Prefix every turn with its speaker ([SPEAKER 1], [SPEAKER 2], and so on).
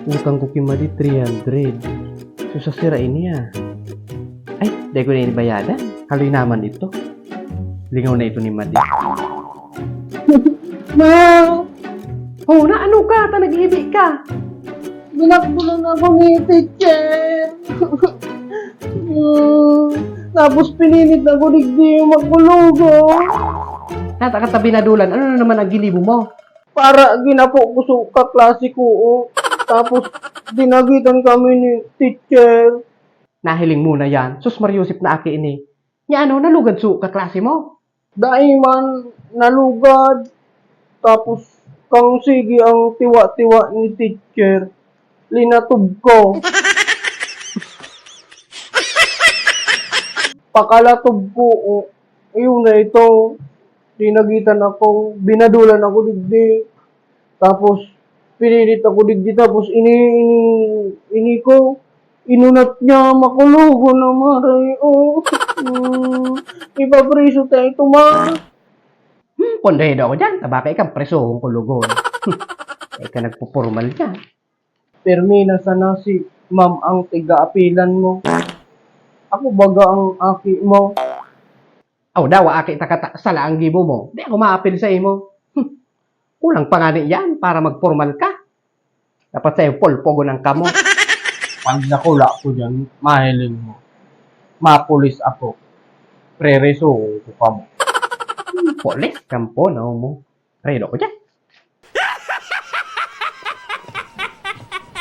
[SPEAKER 1] Utang ko kimadi 300. So sa sira ini Ay, dahil ko na inibayadan. Haloy naman ito. Lingaw na ito ni Madi.
[SPEAKER 2] Ma!
[SPEAKER 1] Oh, na ano ka? Nag-ibig ka.
[SPEAKER 2] Binakbulan ako ni teacher. Tapos pinilit ako digdi magulugo.
[SPEAKER 1] Natakatabi na dulan. Ano na naman ang gilibo mo?
[SPEAKER 2] Para ginapo ko sa kaklase ko. Tapos dinagitan kami ni teacher.
[SPEAKER 1] Nahiling muna yan. Sus Mariusip na aki ini. Nya ano, nalugad su kaklase mo.
[SPEAKER 2] Daiman nalugad. Tapos kang sige ang tiwa-tiwa ni teacher. Linatog ko. Pakalatog ko. Ayun na ito. Dinagitan ako. Binadulan ako digdi. Tapos pinilit ako digdi. Tapos ini ko. Inunat niya makulugo na maray. Ipapriso tayo ito ma.
[SPEAKER 1] Pondedo ako dyan. Tabaka ikang presohong kulugon. Ika nagpupurmal dyan.
[SPEAKER 2] Permina sana si ma'am ang tiga-apilan mo. Ako baga ang aki mo.
[SPEAKER 1] Aw daw, aki takata sala ang gibo mo. Di ako maapil sa imo. Kulang pa nga yan para magpormal ka. Dapat sa'yo polpogo ng kamo.
[SPEAKER 2] Pag nakula ko dyan, mahiling mo. Mapulis ako. Prereso ko pa mo.
[SPEAKER 1] Polis, kampo, no mo. Redo ko dyan.